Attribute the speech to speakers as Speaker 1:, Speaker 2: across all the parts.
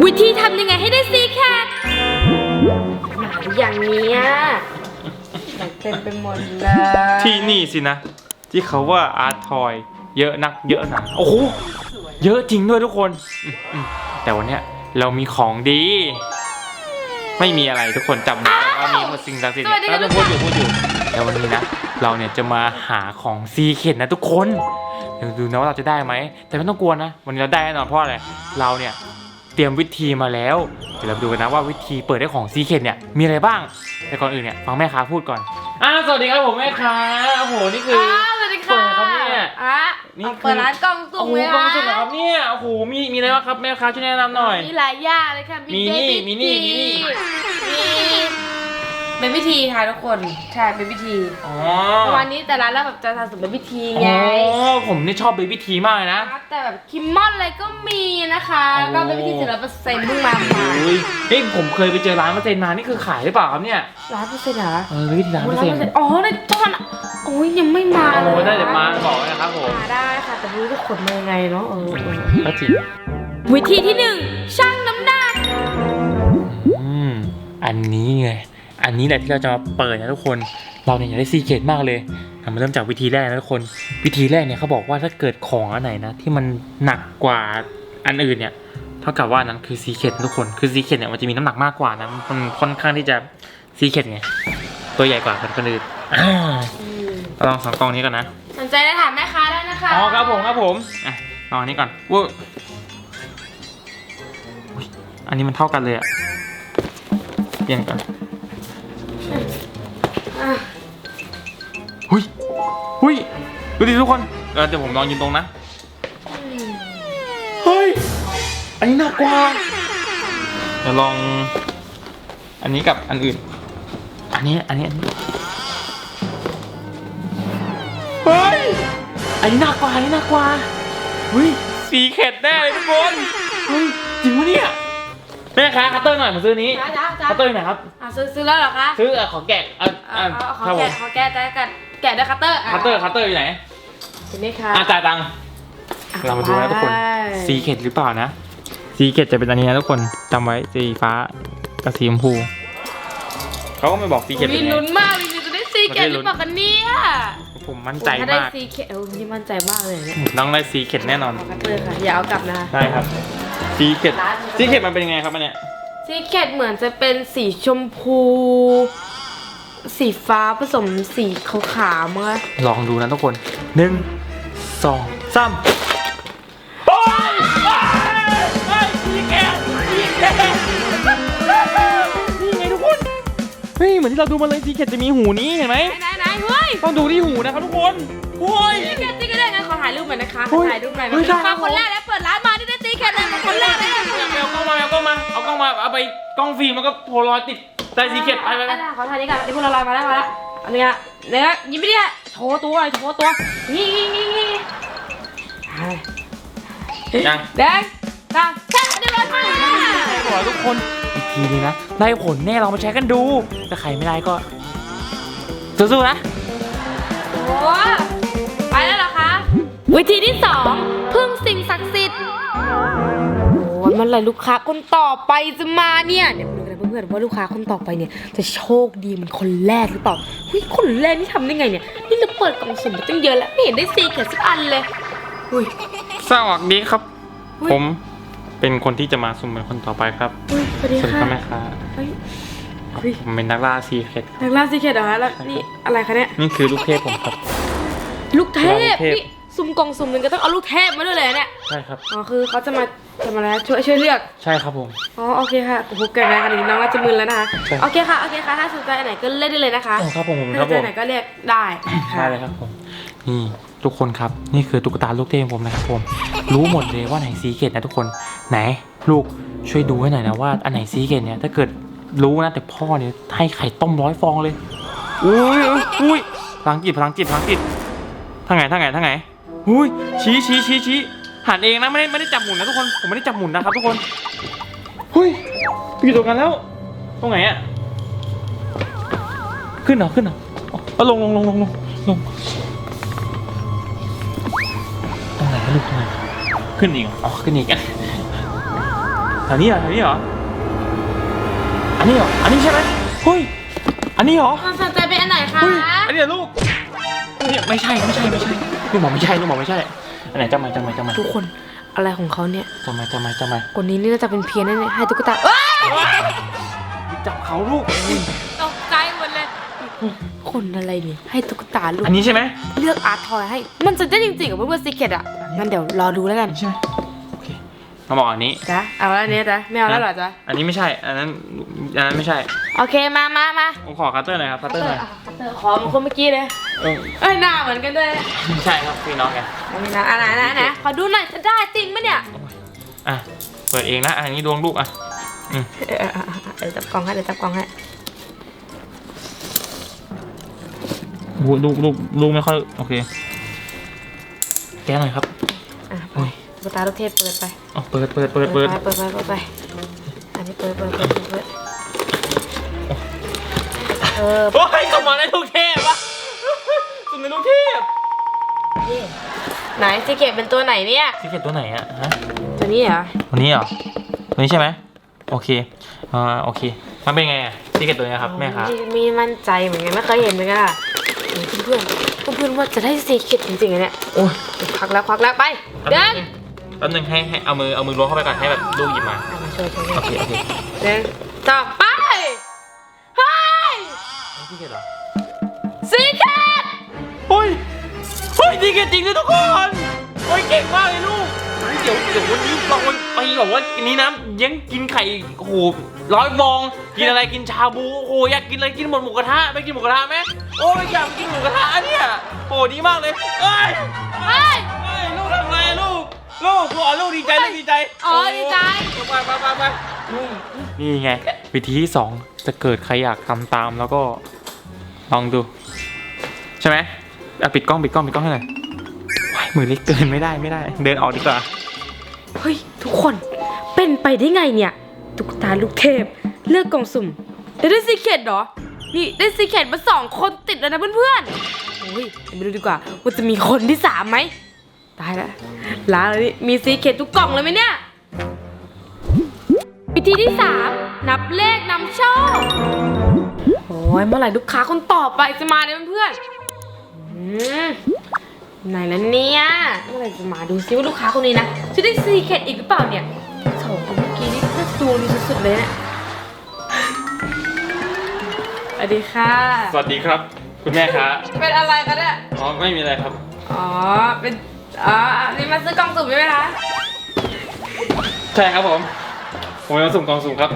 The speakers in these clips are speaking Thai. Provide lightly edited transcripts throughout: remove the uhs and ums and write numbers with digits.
Speaker 1: วิธีทำยังไงให้ได้ซีแคทอย่างนี้เต็มไปหมดเลย
Speaker 2: ที่นี่สินะที่เขาว่าอาร์ตทอยเยอะนักเยอะหนาโอ้โหเยอะจริงด้วยทุกคนแต่วันเนี้ยเรามีของดีไม่มีอะไรทุกคนจำไว้ว่ามีสิ่งศักดิ์สิทธิ์เราจะพูดอยู่แต่วันนี้นะเราเนี่ยจะมาหาของซีเค็ดนะทุกคนเดี๋ยวดูนะว่าเราจะได้ไหมแต่ไม่ต้องกลัวนะวันนี้เราได้แน่นอนเพราะอะไรเราเนี่ยเตรียมวิธีมาแล้วเดี๋ยวเราดูกันนะว่าวิธีเปิดได้ของซีเค็ดเนี่ยมีอะไรบ้างแต่ก่อนอื่นเนี่ยฟังแม่ค้าพูดก่อนสวัสดีครับผมแม่ค้าโอ้โหนี่คือ
Speaker 1: สวัสดีค่ะนี่เปิดร้านกล่องสุ่มเลยค่ะ
Speaker 2: กล่องสุ่มนะครับเนี่ยโอ้โหมีอะไรบ้างครับแม่ค้าช่วยแนะนำหน่อย
Speaker 1: มีหลายอย่างเลยค่ะมีเป็นวิธีค่ะทุกคนใช่เป็นวิธีประมาณนี้แต่ร้านเราแบบจะทำสุ่มเป็นวิธีไง
Speaker 2: ผมนี่ชอบเป็นวิธีมากเลยนะ
Speaker 1: แต่แบบคิมมอนอะไรก็มีนะคะก็เป็นวิธี100%เพิ่งมา
Speaker 2: นี่ผมเคยไปเจอร้าน100%มานี่คือขายหรือเปล่าครับเนี่ย
Speaker 1: 100%เหรอ
Speaker 2: วิธี100%
Speaker 1: อ๋อในตอนโอ้ยยังไม่มาเลย
Speaker 2: ได้เดี๋ยวมาบอกนะครับผม
Speaker 1: ได้ค่ะแต่ไม่รู้จะขนมายังไงเนาะ
Speaker 2: ก็จริง
Speaker 1: วิธีที่1ชั่งน้ำหนัก
Speaker 2: อันนี้ไงอันนี้แหละที่เราจะมาเปิดนะทุกคนเราเนี่ยอยากได้ซีเค็ดมากเลยมาเริ่มจากวิธีแรกนะทุกคนวิธีแรกเนี่ยเขาบอกว่าถ้าเกิดของอันไหนนะที่มันหนักกว่าอันอื่นเนี่ยเท่ากับว่านั้นคือซีเค็ดทุกคนคือซีเค็ดเนี่ยมันจะมีน้ำหนักมากกว่านะมันค่อนข้างที่จะซีเค็ดไงตัวใหญ่กว่าคนอื่นลอง2กล่องนี้ก่อนนะ
Speaker 1: สนใจได้ถามแม่ค้าได้นะคะ
Speaker 2: ครับผมลองอันนี้ก่อนว้าอันนี้มันเท่ากันเลยอะเปลี่ยนกันหุ้ยดูดิทุกคนเดี๋ยวผมลองยืนตรงนะเฮ้ยอันนี้หนักกว่าเดี๋ยวลองอันนี้กับอันอื่นอันนี้เฮ้ยอันนี้หนักกว่าเฮ้ยซีเค็ดแน่เลยทุกคนเฮ้ยจริงปะเนี่ยแม่ค้าคัตเตอร์หน่อยผมซื้อนี้คัตเตอร์หน่อยครับ
Speaker 1: ซื้อแล้วเหรอคะ
Speaker 2: ซื้อขอแกะ
Speaker 1: ขอแกะด้วยคัตเตอร์
Speaker 2: อยู่ไหน
Speaker 1: เห็นไหมคะ
Speaker 2: จ่ายตังค์เรามาดูนะทุกคนซีเค็ดหรือเปล่านะซีเค็ดจะเป็นอันนี้นะทุกคนจำไว้สีฟ้ากับสีชมพูเขาก็ไม่บอกซีเค็ดเป็นไง
Speaker 1: ลุ้นมากจริงๆจะได้ซีเค็ดหรือเปล่ากันเนี่ย
Speaker 2: ผมมั่นใจมากถ้า
Speaker 1: ได้ซีเค็ดนี่มั่นใจมากเลยเนี่ย
Speaker 2: น้องได้ซีเค็ดแน่นอน
Speaker 1: คัตเตอร์ค่ะอย่าเอากลับนะ
Speaker 2: ใช่ครับซีเค็ดมันเป็นยังไงครับอันเนี้ย
Speaker 1: ซีเค็ดเหมือนจะเป็นสีชมพูสีฟ้าผสมสีขาวๆมั้ง
Speaker 2: ลองดูนะทุกคน1 2 3โอ้ยซีเค็ดนี่ไงทุกคนเฮ้ยเหมือนที่เราดูมาเลยซีเค็ดจะมีหูนี้เห็นไหม
Speaker 1: ไหนเฮ้ย
Speaker 2: ต้องดูที่หูนะครับทุกคน
Speaker 1: โอ้ยซีเค็ดก็ได้งั้นขอถ่ายรูปหน่อยนะคะถ่ายรูปหน่อยมาคนแรกแล้วเปิดร้านมาได้ซีเค็ดเลยคนแรกเลย
Speaker 2: เอากล้องมาเอาไปกล้องฟิล์มแล้วก็โพลารอยติดใส่ซีเค็ดไป
Speaker 1: ขอถ่ายนี้ก่อนนี่โพลารอยมาแล้วอันนี้เนี่ยยิ้มไปดิโชว์ตัวนี่
Speaker 2: ยัง
Speaker 1: แดงตาแค่เดี๋ยวร้อยมา
Speaker 2: ขอทุกคนอีกทีนึงนะได้ผลแน่เรามาใช้กันดูถ้าใครไม่ได้ก็สู้ๆนะ
Speaker 1: โอ้ไปแล้วเหรอคะวิธีที่2พึ่งสิ่งศักดิ์สิทธิ์โอ้ยมันเลยลูกค้าคนต่อไปจะมาเนี่ยเดี๋ยวมาดูกันเพื่อนๆว่าลูกค้าคนต่อไปเนี่ยจะโชคดีเหมือนคนแรกหรือเปล่าเฮ้ยคนแรกนี่ทำได้ไงเนี่ยนี่เราเปิดกล่องสุ่มมาตั้งเยอะแล้วไม่เห็นได้ซีเค็ดสักอันเลย
Speaker 2: สวัสดีครับผมเป็นคนที่จะมาสุ่มเป็นคนต่อไปครับ
Speaker 1: สวัสดีค่ะ
Speaker 2: แม่ค้าผมเป็นนักล่าซีเค็ด
Speaker 1: เหรอคะแล้วนี่อะไรคะเนี่ย
Speaker 2: นี่คือลูกเทพผมครับ
Speaker 1: ลูกเทพนี่สุ่มกล่องสุ่มหนึ่งก็ต้องเอาลูกเทพมาด้วยเลยเนี่ย
Speaker 2: ใช่ครับ
Speaker 1: คือเขาจะมาอะไรช่วยเลือก
Speaker 2: ใช่ครับผม
Speaker 1: โอเคค่ะโอ้โหแก่แล้วกันน้องน่าจะมึนแล้วนะคะโอเคค่ะถ้าสนใจอันไหนก็เลือกได้เลยนะคะ
Speaker 2: ครับผม
Speaker 1: ถ้าสนใจไหนก็เลือกได้
Speaker 2: เลยครับผมนี่ทุกคนครับนี่คือตุ๊กตาลูกเทพผมนะครับผมรู้หมดเลยว่าไหนซีเค็ดนะทุกคนไหนลูกช่วยดูให้หน่อยนะว่าอันไหนซีเค็ดเนี่ยถ้าเกิดรู้นะแต่พ่อเนี่ยให้ไข่ต้ม100 ฟองเลยอุ้ยพลังจิตทางไงอุ้ยชี้หันเองนะไม่ได้จับหมุนนะทุกคนผมไม่ได้จับหมุนนะครับทุกคนเฮ้ยอยู่ตรงกันแล้วตรงไหนอะขึ้นเหรอลงตรงไหนลูกตรงไหนขึ้นอีกขึ้นอีกแถวนี้เหรอแถวนี้เหรออันนี้เหรออันนี้ใช่ไหมเฮ้ยอันนี้เหรอ
Speaker 1: ความสนใจเป็นอันไหนคะ
Speaker 2: เฮ้ยอันนี้เหรอลูกเนี่ยไม่ใช่ลูกหมอไม่ใช่อันไหนจำมา
Speaker 1: ทุกคนอะไรของเขาเนี่ย
Speaker 2: จำมา
Speaker 1: คนนี้นี่น่าจะเป็นเพี้ยนแน่ๆให้ตุ๊กตาเอ้ย
Speaker 2: จับเขาลูก
Speaker 1: ตกใจหมดเลยคนอะไรเนี่ยให้ตุ๊กตาลูก
Speaker 2: อันนี้ใช่ไหม
Speaker 1: เลือกอาร์ตทอยให้มันจะได้จริงๆกับเพื่อนๆซีเคร็ตอ่ะงั้นเดี๋ยวรอดูแล้วกัน
Speaker 2: ใช่ไหมโอเคมาบอกอันนี้
Speaker 1: จ้ะเอาแล้วอันนี้จ้ะไม่เอาแล้วเหรอจ๊ะ
Speaker 2: อันนี้ไม่ใช่อันนั้นไม่ใช่
Speaker 1: โอเคมา
Speaker 2: ผมขอคัตเตอร์หน่อยครับคัตเตอร์หน่อย
Speaker 1: คัตเตอร์ขอเหมือนคนเมื่อกี้เลย
Speaker 2: เออ
Speaker 1: เอ้ยหน้าเหมือนกันด้วย
Speaker 2: ไม่ใช่ครับพี่น้องไง
Speaker 1: อันนี้นะอันไหนขอดูหน่อยจะได้จริงไหมเนี่ย
Speaker 2: อ่ะเปิดเองนะอันนี้ดวงลูกอ่ะ
Speaker 1: เดี๋ยวจับกล่องให้
Speaker 2: ลูกไม่ค่อยโอเคแก้หน่อยครับ
Speaker 1: อ่ะไปตุ๊กตาลูกเทพเปิดไป
Speaker 2: อ๋อเปิด
Speaker 1: ไปอันนี้เปิด
Speaker 2: โอ้ยสมองในลูกเทพวะสมในลูกเทพ
Speaker 1: นี่ไหนซีเคร็ตเป็นตัวไหนเนี่ย
Speaker 2: ที่เก็บตัวไหนอะฮะ
Speaker 1: ตัวนี้เหรอ
Speaker 2: ตัวนี้เหรอตัวนี้ใช่ไหมโอเคโอเคมันเป็นไงอะที่เก็บตัวนี้ครับแม่ครับ
Speaker 1: มีมั่นใจเหมือนกันไม่เคยเห็นเหมือนกันอ่ะเพื่อนว่าจะได้ซีเคร็ตจริงๆเนี่ย
Speaker 2: โอ้ย
Speaker 1: ควักแล้วไปเดิน
Speaker 2: แป๊บนึงให้เอามือล้วงเข้าไปก่อนให้แบบลูกหยิบมา
Speaker 1: มาช่วย
Speaker 2: โอเค
Speaker 1: เดินต่อไปเฮ้ย
Speaker 2: ที่เก็บเหรอ
Speaker 1: ซีเคร็ต
Speaker 2: เฮ้ยที่เก็บจริงเลยทุกคนโอ้ยเก่งมากเลยลูกเดี๋ยววันนี้เราไปแบบว่าอันนี้นะยังกินไข่โอ้โห100 ฟองกินอะไรกินชาบูโอ้โหอยากกินอะไรกินหมดกระทะไปกินหมูกระทะไหมโอ้ยอยากกินหมูกระทะเนี่ยโอ้ดีมากเลยเอ้ยลูกทำไรลูกลูกดีใจดีใจ
Speaker 1: อ๋อดีใจ
Speaker 2: ไปนี่ไงวิธีที่ 2จะเกิดใครอยากทำตามแล้วก็ลองดูใช่ไหมปิดกล้องให้หน่อยมือเล็กเกินไม่ได้เดินออกดีกว่า
Speaker 1: เฮ้ยทุกคนเป็นไปได้ไงเนี่ยตุ๊กตาลูกเทพเลือกกล่องสุ่มได้ซีเคร็ตเหรอนี่ได้ซีเคร็ตมา2 คนติดแล้วนะเพื่อนๆโอ้ยเดี๋ยวไปดูดีกว่าว่าจะมีคนที่3ไหมตายแล้วล้าเลยนี่มีซีเคร็ตทุกกล่องเลยไหมเนี่ยวิธีที่ 3นับเลขนำโชคโอ้ยเมื่อไหร่ลูกค้าคนต่อไปจะมาเนี่ยเพื่อนไหนแล้วเนี่ยเมื่อไหร่จะมาดูซิว่าลูกค้าคนนี้นะจะได้ซีเคร็ตอีกหรือเปล่าเนี่ย2 คนเมื่อกี้นี่น่าจะดวงดีสุดๆเลยเนี่ยสวัสดีค่ะ
Speaker 2: สวัสดีครับคุณแม่ครับ
Speaker 1: เป็นอะไรกันเนี่ย
Speaker 2: อ๋อไม่มีอะไรครับ
Speaker 1: เป็นนี่มาซื้อกล่องสุ่มใช่ไหมคะ
Speaker 2: ใช่ครับผมมาสุ่มกล่องสุ่มครับ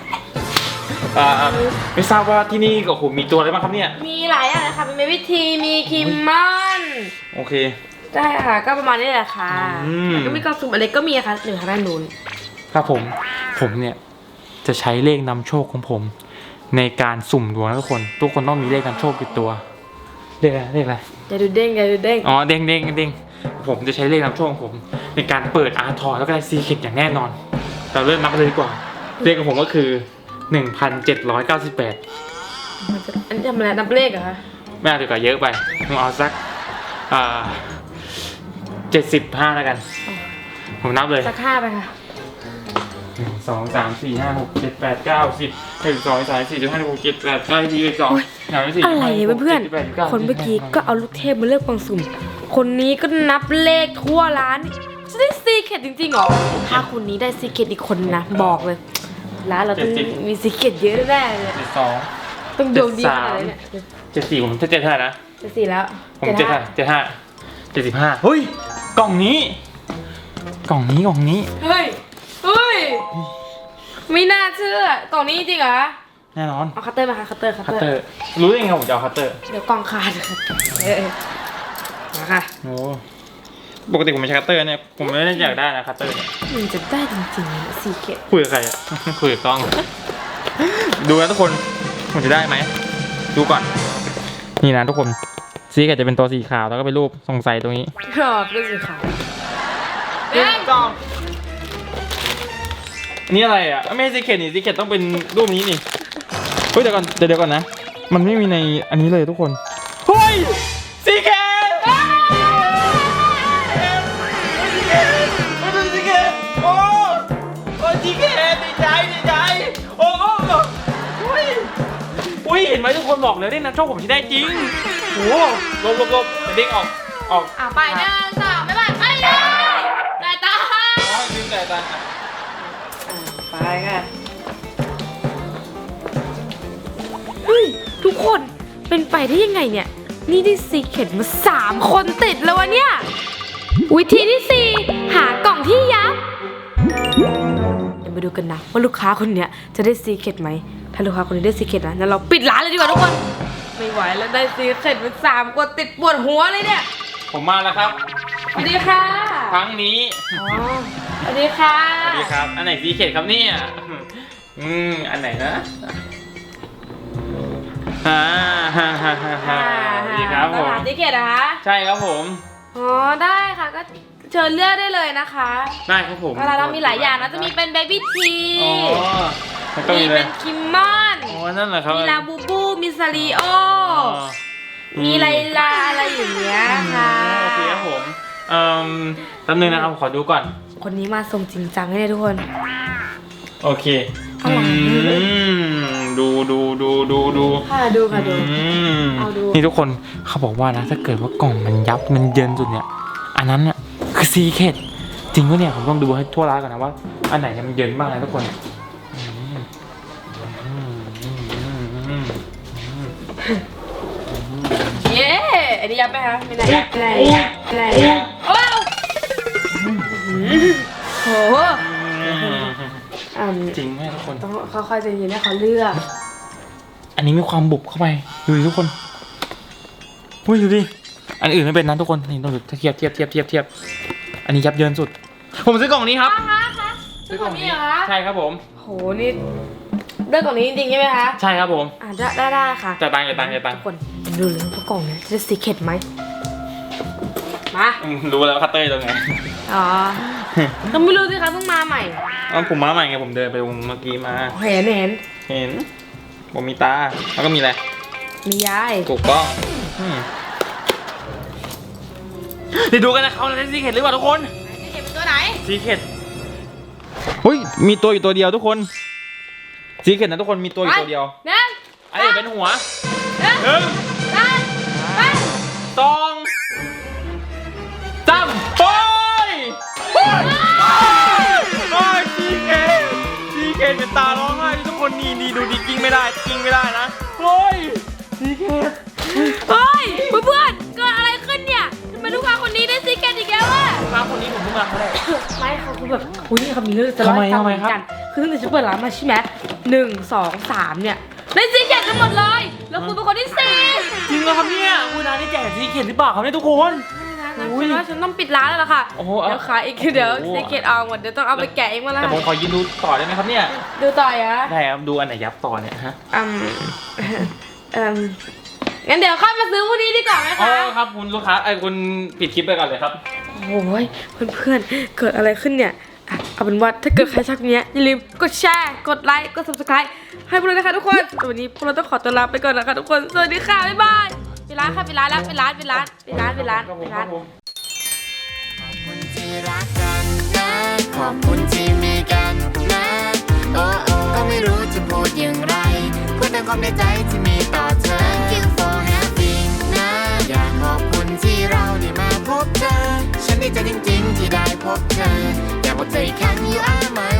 Speaker 2: ไม่ทราบว่าที่นี่ก็มีตัวอะไรบ้างครับเนี่ย
Speaker 1: มีหลายอย่างเลยค่ะเป็นเบบี้ทีมีคิมมอน
Speaker 2: โอเค
Speaker 1: ได้ค่ะก็ประมาณนี้แหละค่ะ แล้วก็มีกล่องสุ่มอะไรก็มีค่ะหนึ่งทางด้านนู้น
Speaker 2: ครับผมเนี่ยจะใช้เลขนำโชคของผมในการสุ่มดวงนะทุกคนต้องมีเลขนำโชคติดตัวเลขอะไร
Speaker 1: อย่าดูเด้ง
Speaker 2: อ๋อเด้งผมจะใช้เลขนำโชคของผมในการเปิดอาร์ทอยแล้วก็ได้ซีเคร็ตอย่างแน่นอนเราเริ่มนับกันเลยดีกว่าเลขของผมก็คือ1798
Speaker 1: อันนี้ทำอะไรนับเลขเหรอคะ
Speaker 2: ไม่เอาดีกว่าเยอะไปผมเอาสัก75แล้วกันผมนับเลย
Speaker 1: สัก5ไปค่ะ
Speaker 2: 1 2 3 4 5 6 7 8 9 10 1 2 3 4 5 6 7 8 9 10 12
Speaker 1: อะไรเนี่ยเพื่อนๆคนเมื่อกี้ก็เอาลูกเทพมาเลือกกล่องสุ่มคนนี้ก็นับเลขทั่วร้านจะได้ซีเคร็ตจริงๆเหรอถ้าคนนี้ได้ซีเคร็ตอีกคนนะบอกเลยร้านเราต้องมีซีเคร็ตเยอะแน่เลย
Speaker 2: 72
Speaker 1: ต้องดวงดีขนาดไหนเนี่ย
Speaker 2: 74ผมจะ7เท่าไหร่นะ
Speaker 1: 74แล้ว
Speaker 2: ผม75 75เฮ้ยกล่องนี้
Speaker 1: เฮ้ยไม่น่าเชื่อกล่องนี้จริงเหรอ
Speaker 2: แน่นอน
Speaker 1: เอาคัตเตอร์มาค่ะคัตเตอร์
Speaker 2: รู้ได้ไงผมจะเอาคัตเตอร์
Speaker 1: เดี๋ยวกล่องขาดมาค่ะ
Speaker 2: โอ้ปกติผมไม่ใช้คัตเตอร์เนี่ยผมไม่ได้อยากได้นะคัตเตอร์เนี่ย
Speaker 1: มันจะได้จริงๆซีเคร็ต
Speaker 2: คุยกับใครอะ คุยกับกล้อง ดูนะทุกคนผมจะได้ไหมดูก่อนนี่นะทุกคนซีเคร็ตจะเป็นตัวสีขาวแล้วก็เป็นรูปสงสัยตรงนี้
Speaker 1: ชอบเรื่องสีขาว
Speaker 2: กล้องอันนี้อะไรอ่ะไม่ใช่ซีเคร็ตนี่ซีเคร็ตต้องเป็นรูปนี้นี่เฮ้ยเดี๋ยวก่อนนะมันไม่มีในอันนี้เลยทุกคนเฮ้ยซีเคร็ตซีเคร็ตโอ้ซีเคร็ตดีใจโอ้โหอุ้ยเห็นไหมทุกคนบอกเลยได้นะโชคผมที่ได้จริงโอ้ลบเด้งออก
Speaker 1: ไป1 2ไม่ไปเลยแต่ตา
Speaker 2: ลืมแต่ตา
Speaker 1: ไปค่ะเฮ้ยทุกคนเป็นไปได้ยังไงเนี่ยนี่ได้ซีเคร็ตมา3 คนติดแล้ววะเนี่ยวิธีที่4หากล่องที่ยับเดี๋ยวมาดูกันนะว่าลูกค้าคนเนี้ยจะได้ซีเคร็ตไหมถ้าลูกค้าคนนี้ได้ซีเคร็ตนะงั้นเราปิดร้านเลยดีกว่าทุกคนไม่ไหวแล้วได้ซีเคร็ตมา3 คนติดปวดหัวเลยเนี่ย
Speaker 2: ผมมาแล้วครับ
Speaker 1: สวัสดีค่ะ
Speaker 2: ครั้งนี้
Speaker 1: สวัสดีค่ะ
Speaker 2: สวัสดีครับอันไหนซีเคร็ตครับเนี่ยอันไหนนะสวัสดีครับผม
Speaker 1: ซีเคร็ตนะคะ
Speaker 2: ใช่ครับผม
Speaker 1: อ๋อได้ค่ะก็เชิญเลือกได้เลยนะคะ
Speaker 2: ได้ครับผม
Speaker 1: เรามีหลายอย่างนะจะมีเป็นเบบี้ทีมีเป็นคิมมอน
Speaker 2: นั่นแหละครับ
Speaker 1: มีลาบูบูมีซาริโอมีไลลาอะไรอย่างเงี้ยค่ะ
Speaker 2: โอเคครับผมแป๊บนึงนะครับขอดูก่อน
Speaker 1: คนนี้มาส่งจริงจังเลยทุกคน
Speaker 2: โอเคดู
Speaker 1: ค่ะดู
Speaker 2: นี่ทุกคนเขาบอกว่านะถ้าเกิดว่ากล่องมันยับมันเยินสุดเนี่ยอันนั้นน่ะคือซีเคร็ตจริงปะเนี่ยผมต้องดูให้ทั่วร้านก่อนนะว่าอันไหนมันเยินบ้างนะทุกคน
Speaker 1: เย้อันนี้ยับไหมคะไม่ไหนโอ้โห
Speaker 2: จริงไหมทุกคน
Speaker 1: ต้องค่อยๆใจเย็นให้เขาเลือก
Speaker 2: อันนี้มีความบุบเข้าไปดูดิทุกคนอุ้ยดูดิอันอื่นไม่เป็นนะทุกคนนี่ต้องดูเทียบอันนี้ยับเยินสุดผมซื้อกล่องนี้ครับ
Speaker 1: ซื้อกล่องนี้เหรอ
Speaker 2: ใช่ครับผม
Speaker 1: โหนี่เลือกกล่องนี้จริงๆใช่ไหมคะ
Speaker 2: ใช่ครับผม
Speaker 1: ได้ค่ะ
Speaker 2: จะตัง
Speaker 1: ทุกคนดูเลยว่ากล่องนี้จะซีเคร็ตไหมมา
Speaker 2: รู้แล้วคัตเตอร์ตรงไหน
Speaker 1: อ๋อต้องไม่รู้สิคะเพิ่งมาใหม่
Speaker 2: ผมมาใหม่ไงผมเดินไปวงเมื่อกี้มา
Speaker 1: เห็น
Speaker 2: ผมมีตาแล้วก็มีอะไร
Speaker 1: มียาย
Speaker 2: ถูกต้องเดี๋ยวดูกันนะเขาจะซีเคร็ตหรือเปล่าทุกคน
Speaker 1: ซีเคร็ตเป็นตัวไหน
Speaker 2: ซีเคร็ตเฮ้ยมีตัวอยู่ตัวเดียวทุกคนซีเคร็ตนะทุกคนมีตัวอยู่ตัวเดียวอันนี้เป็นหัว2 3ไปซีเคร็ตเป็นตาร้องไห้ทุกคนนี่ดูดิกิ้งไม่ได้นะเฮ้ยซีเคร็ต
Speaker 1: เฮ้ยเพื่อนเกิดอะไรขึ้นเนี่ยทำไมลูกค้าคนนี้ได้ซีเคร็ตอีกแล้วอะ
Speaker 2: ลูกค้าคนนี้ผมเพิ่งมาเขาได้
Speaker 1: ไม่เขาคือแบบอุ้ยนี่เขามีเรื่องจะเล่าให้ฟังเหมือนกันคือตั้งแต่ฉันเปิดร้านมาใช่ไหม1 2 3เนี่ยได้ซีเคร็ตกันหมดเลยแล้วคุณเป็นคนที่4
Speaker 2: จริงเหรอครับเนี่ยคุณน้าได้แจกซีเคร็ตหรือเปล่าครับเนี่ยทุกคน
Speaker 1: ฉันต้องปิดร้านแล้วล่ะค่ะเดี๋ยวขายอีกเดี๋ยวซีเคร็ตเอาหมดเดี๋ยวต้องเอาไปแกะเองมาละ
Speaker 2: แต่ผมขอยืนดูต่อได้ไหมครับเนี่ย
Speaker 1: ดูต่อเหรอ
Speaker 2: ได้ครับดูอันไหนยับต่อเนี่ยฮะ
Speaker 1: งั้นเดี๋ยวค่อยมาซื้อพวกนี้ดีกว่าไหมคะ
Speaker 2: ครับคุณลูกค้าคุณปิดคลิปไปก่อนเลยครับ
Speaker 1: โอ้ยเพื่อนๆเกิดอะไรขึ้นเนี่ยเอาเป็นว่าถ้าเกิดใครชอบนี้อย่าลืมกดแชร์กดไลค์กด subscribe ให้พวกเรานะคะทุกคนวันนี้พวกเราต้องขอตัวลาไปก่อนนะคะทุกคนสวัสดีค่ะบ๊ายบายไปร้านค่ะไปร้านขอบคุณที่รักกันนะขอบคุณที่มีกันนะก็ไม่รู้จะพูดอย่างไรพูดแต่ความในใจที่มีต่อเธอ Thank you for having นะอยากขอบคุณที่เราได้มาพบเธอฉันดีใจจริงๆที่ได้พบเธออยากบอกเธออีกครั้ง You are my